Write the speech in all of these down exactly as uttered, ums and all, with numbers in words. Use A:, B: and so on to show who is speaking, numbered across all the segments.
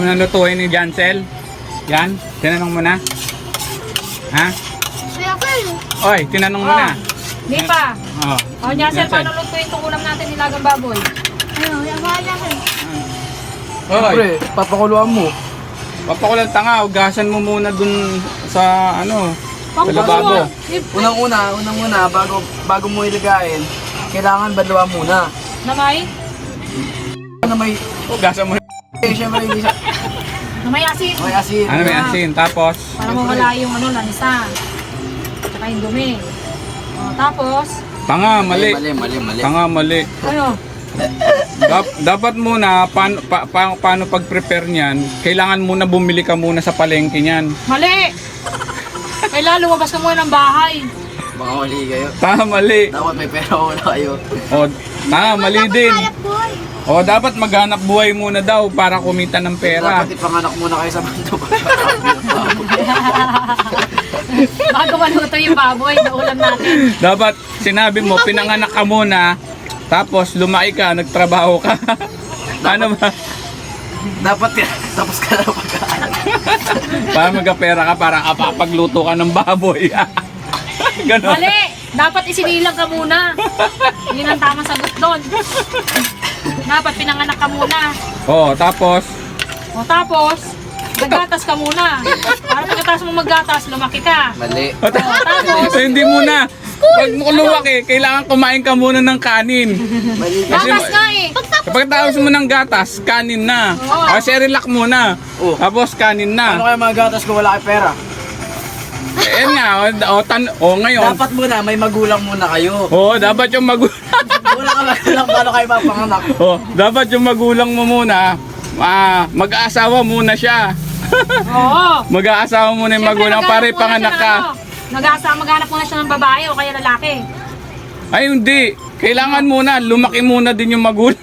A: Nalutuin ni Jancel? Yan, tinanong mo na? Ha?
B: Kaya ko yun.
A: Oy, tinanong mo
C: Oh.
A: na?
C: Hindi pa.
A: Oh.
C: O, Jancel, paano lutuin itong ulam natin nilagang baboy?
B: Ano, yabahan natin.
A: Oy,
D: Siyempre, papakuluan mo.
A: papakulang tanga, ugasan mo muna dun sa ano, sa lababo.
D: Unang-una, unang-una, bago, bago mo ilagayin, kailangan badlawan muna.
C: Namay?
D: Na may,
A: Ugasan mo.
D: eh, siyempre, hindi siya,
C: Namay asin.
D: may asin.
A: Ano may asin, tapos?
C: Para mawala yung ano, lansa. Tsaka yung dumi. O, tapos,
A: Tanga, mali.
D: Mali, mali, mali.
A: Tanga, mali.
C: ano?
A: Dap- dapat muna, paano, pa, pa, paano pag-prepare niyan, kailangan muna bumili ka muna sa palengke niyan.
C: Mali! Kailangan lumabas ka muna ng bahay.
D: Baka mali kayo.
A: Tanga, mali.
D: Dapat may pera muna kayo.
A: O, tanga, mali din.
B: Hanap buhay.
A: O, dapat maghanap buhay muna daw para kumita ng pera.
D: Dapat ipanganak muna kayo sa bando.
C: Bago maluto yung baboy na ulam natin.
A: Dapat sinabi mo, pinanganak ka muna, tapos lumaki ka, nagtrabaho ka. Ano ba?
D: Dapat yan. Tapos ka na pagkaanak.
A: Para magkapera ka, para kapapagluto ka ng baboy. Ganon.
C: Mali! Dapat isinilang ka muna. Yun ang tamang sagot doon. Dapat pinanganak ka muna.
A: O, tapos,
C: O tapos, maggatas ka muna. Para pagkatapos mo maggatas, lumaki ka.
D: Mali.
A: o, ta-
C: tapos?
A: so, hindi muna. Pag mo lumaki, kailangan kumain ka muna ng kanin.
D: Mali ka.
A: Kasi
C: Gatas
A: ma-
C: nga eh.
A: Kapag tapos mo ng gatas, kanin na.
C: Oo.
A: O, Cerelac muna.
D: Oo.
A: Tapos kanin
D: Ano
A: na.
D: kayo mga gatas kung wala kayo pera?
A: Eh, yan nga, o, o, tan- o ngayon.
D: Dapat muna, may magulang muna kayo.
A: O, dapat yung magulang.
D: Wala ka magulang, paano kayo mapanganak?
A: Oh, dapat yung magulang mo muna, ah, mag-aasawa muna siya.
C: Oo.
A: Mag-aasawa muna yung
C: Siyempre,
A: magulang
C: maghanap
A: para
C: muna
A: ipanganak
C: siya
A: ka.
C: ng ano, Nag-asa, maghanap muna siya ng babae o kaya lalaki.
A: Ay, hindi. Kailangan muna, lumaki muna din yung magulang.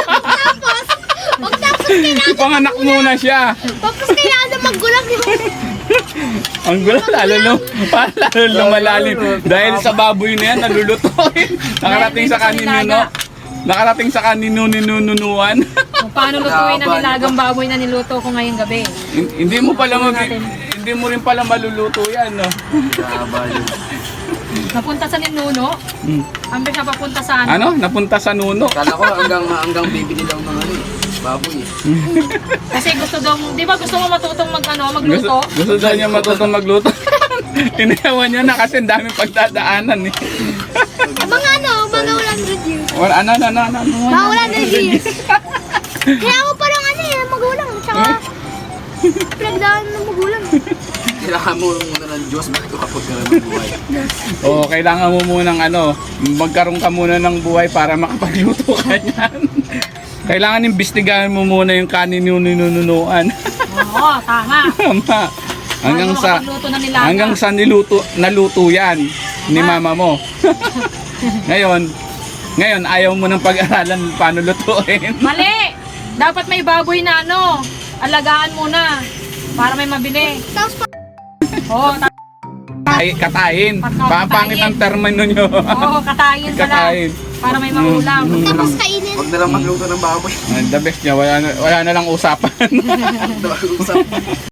B: Pagtapos kailangan,
A: Ipanganak muna siya.
B: tapos kailangan na maggulang yung...
A: Ang gulo, lalo lum, lalo lumalalim. Dahil sa baboy na yan, nalulutuin. Nakarating sa kanino, nakarating sa kanino ninununuan.
C: Kung paano lutuin ang nilagang baboy na niluto ko ngayong gabi.
A: Hindi mo pala mag, hindi mo rin pala maluluto yan, no?
D: Kabal.
C: Napunta sa ninuno.
A: Hmm.
C: Ambe siya papunta sa ano.
A: Ano? Napunta sa nuno.
D: Kala ko hanggang hanggang bibili daw ng ano eh, baboy eh.
C: Kasi gusto daw, di ba gusto mo matutong mag, ano,
A: Gusto,
C: magluto?
A: gusto daw niya matutong magluto. Inayawan niya na kasi ang daming pagdadaanan eh.
B: Mga ano, mga one hundred years.
A: Or ano, ano, ano, ano.
B: Mga one hundred years. Kaya ako parang ano eh, magulang. Tsaka, pinagdaan ng magulang.
D: Kailangan mo muna ng Diyos bago kapag ka ng buhay.
A: Oo, kailangan mo munang ano, magkaroon ka muna ng buhay para makapagluto ka niyan. Kailangan imbestigahan mo muna yung kanin yung ninununuan.
C: Oo, tama.
A: Tama. Hanggang
C: Bago
A: sa
C: makapagluto ng nilaga.
A: hanggang sa niluto naluto yan ni mama mo. Ngayon, ngayon ayaw mo nang pag-aralan paano lutuin.
C: Mali! Dapat may baboy na ano, alagaan muna para may mabili.
B: Tapos,
C: Oo, ta-
A: Ay, katayin. Papangit ang termino nyo.
C: Oo, katayin pala.
A: Katayin.
C: Para may maulam.
B: tapos kainin.
D: Huwag na lang magluto ng baboy.
A: The best niya, wala na, wala na lang usapan.
D: Usap.